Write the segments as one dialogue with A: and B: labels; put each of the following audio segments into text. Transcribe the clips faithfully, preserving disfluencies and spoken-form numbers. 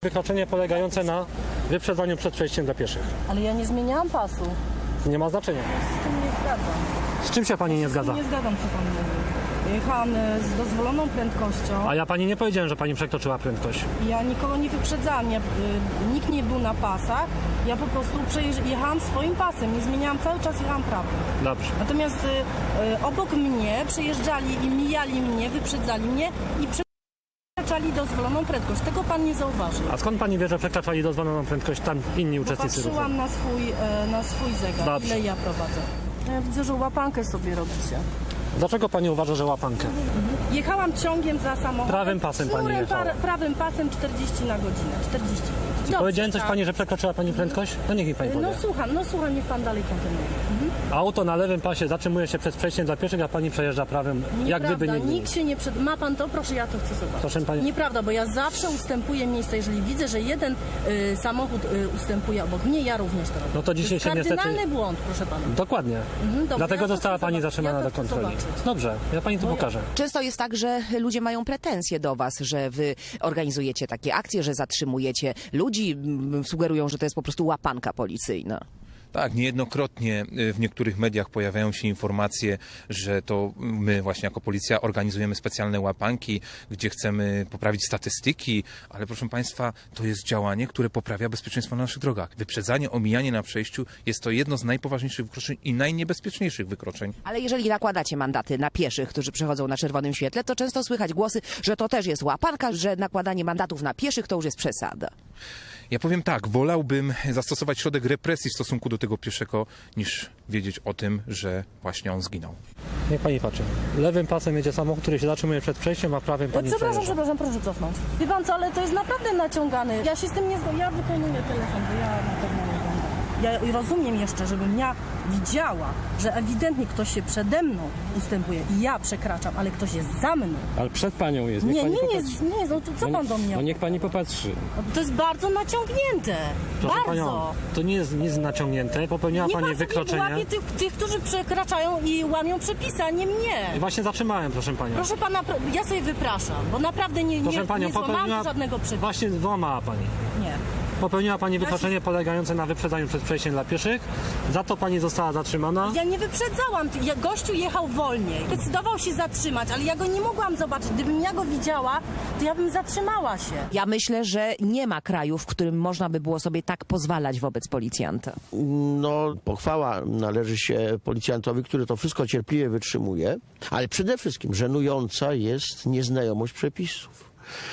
A: Wykroczenie polegające na wyprzedzaniu przed przejściem dla pieszych.
B: Ale ja nie zmieniałam pasu.
A: Nie ma znaczenia.
B: Z tym nie zgadzam.
A: Z czym się pani nie
B: Z
A: zgadza?
B: tym nie zgadzam, co pan mówi. Jechałam e, z dozwoloną prędkością.
A: A ja pani nie powiedziałem, że pani przekroczyła prędkość.
B: Ja nikogo nie wyprzedzałam. Ja, y, nikt nie był na pasach. Ja po prostu przejeżdż- jechałam swoim pasem. Nie zmieniałam, cały czas jechałam prawym.
A: Dobrze.
B: Natomiast y, y, obok mnie przejeżdżali i mijali mnie, wyprzedzali mnie i przekraczali dozwoloną prędkość. Tego pan nie zauważył.
A: A skąd pani wie, że przekraczali dozwoloną prędkość tam inni uczestnicy ruchu?
B: Patrzyłam na swój, e, na swój zegar,
A: Dobrze.
B: ile ja prowadzę. Ja widzę, że łapankę sobie robicie.
A: Dlaczego pani uważa, że łapankę?
B: Jechałam ciągiem za samochodem.
A: Prawym pasem pani
B: sznurem
A: jechała.
B: par- Prawym pasem czterdzieści na godzinę. czterdzieści. Dobrze,
A: Powiedziałem coś
B: tak.
A: pani, że przekroczyła pani prędkość? No niech mi pani powie.
B: No słucham, no słucham, niech pan dalej kontynuuje. Mhm.
A: Auto na lewym pasie zatrzymuje się przed przejściem dla pieszych, a pani przejeżdża prawym, jak
B: Nieprawda,
A: gdyby nigdy.
B: nikt się nie przed... Ma pan to? Proszę, ja to chcę zobaczyć.
A: Proszę pani.
B: Nieprawda, bo ja zawsze ustępuję miejsca. Jeżeli widzę, że jeden y, samochód y, ustępuje obok mnie, ja również to robię.
A: No to dzisiaj
B: jest
A: się niestety-
B: kardynalny błąd, proszę pana.
A: Dokładnie.
B: Mhm, dobrze,
A: Dlatego
B: ja to
A: została
B: chcę
A: pani
B: zobaczyć.
A: zatrzymana
B: Ja to
A: do
B: chcę
A: kontroli.
B: zobaczyć.
A: Dobrze, ja pani to
B: Bo ja-
A: pokażę.
C: Często jest tak, że ludzie mają pretensje do was, że wy organizujecie takie akcje, że zatrzymujecie ludzi, m, sugerują, że to jest po prostu łapanka policyjna.
D: Tak, niejednokrotnie y, w niektórych mediach pojawiają się informacje, że to my właśnie jako policja organizujemy specjalne łapanki, gdzie chcemy poprawić statystyki, ale proszę Państwa, to jest działanie, które poprawia bezpieczeństwo na naszych drogach. Wyprzedzanie, omijanie na przejściu jest to jedno z najpoważniejszych wykroczeń i najniebezpieczniejszych wykroczeń.
C: Ale jeżeli nakładacie mandaty na pieszych, którzy przechodzą na czerwonym świetle, to często słychać głosy, że to też jest łapanka, że nakładanie mandatów na pieszych to już jest przesada.
D: Ja powiem tak, wolałbym zastosować środek represji w stosunku do tego pieszego, niż wiedzieć o tym, że właśnie on zginął.
A: Niech pani patrzy. Lewym pasem jedzie samochód, który się zatrzymuje przed przejściem, a prawym pani
B: Przepraszam,
A: przejeżdża.
B: przepraszam, proszę cofnąć. Wie pan co, ale to jest naprawdę naciągane. Ja się z tym nie zgadzam. Ja wykonuję telefon, bo ja na pewno nie będę. Ja rozumiem jeszcze, żebym ja widziała, że ewidentnie ktoś się przede mną ustępuje i ja przekraczam, ale ktoś jest za mną.
E: Ale przed panią jest. Niech
B: Nie,
E: pani
B: nie
E: popatrzy.
B: jest, nie jest. No to co
E: No
B: pan
E: nie-
B: do mnie?
E: No niech pani popatrzy.
B: To jest bardzo naciągnięte.
A: Proszę
B: bardzo.
A: panią, to nie jest nic naciągnięte. Popełniła
B: Nie
A: pani
B: pan sobie
A: wykroczenie.
B: łapie tych, tych, którzy przekraczają i łamią przepisy, a nie
A: I
B: mnie.
A: właśnie zatrzymałem, proszę panią.
B: Proszę pana, pro- ja sobie wypraszam, bo naprawdę nie,
A: Proszę
B: nie,
A: panią,
B: nie złamałam
A: popełniła...
B: żadnego przepisu.
A: Właśnie złamała pani.
B: Nie.
A: Popełniła pani wykroczenie polegające na wyprzedzaniu przed przejściem dla pieszych. Za to pani została zatrzymana.
B: Ja nie wyprzedzałam, ja- gościu jechał wolniej. Decydował się zatrzymać, ale ja go nie mogłam zobaczyć. Gdybym ja go widziała, to ja bym zatrzymała się.
C: Ja myślę, że nie ma kraju, w którym można by było sobie tak pozwalać wobec policjanta.
F: No, pochwała należy się policjantowi, który to wszystko cierpliwie wytrzymuje, ale przede wszystkim żenująca jest nieznajomość przepisów.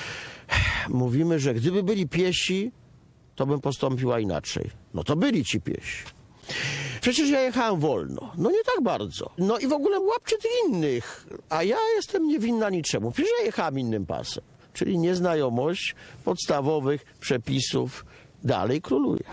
F: Mówimy, że gdyby byli piesi, to bym postąpiła inaczej. No to byli ci piesi. Przecież ja jechałem wolno. No nie tak bardzo. No i w ogóle łapcie tych innych. A ja jestem niewinna niczemu. Przecież ja jechałem innym pasem. Czyli nieznajomość podstawowych przepisów dalej króluje.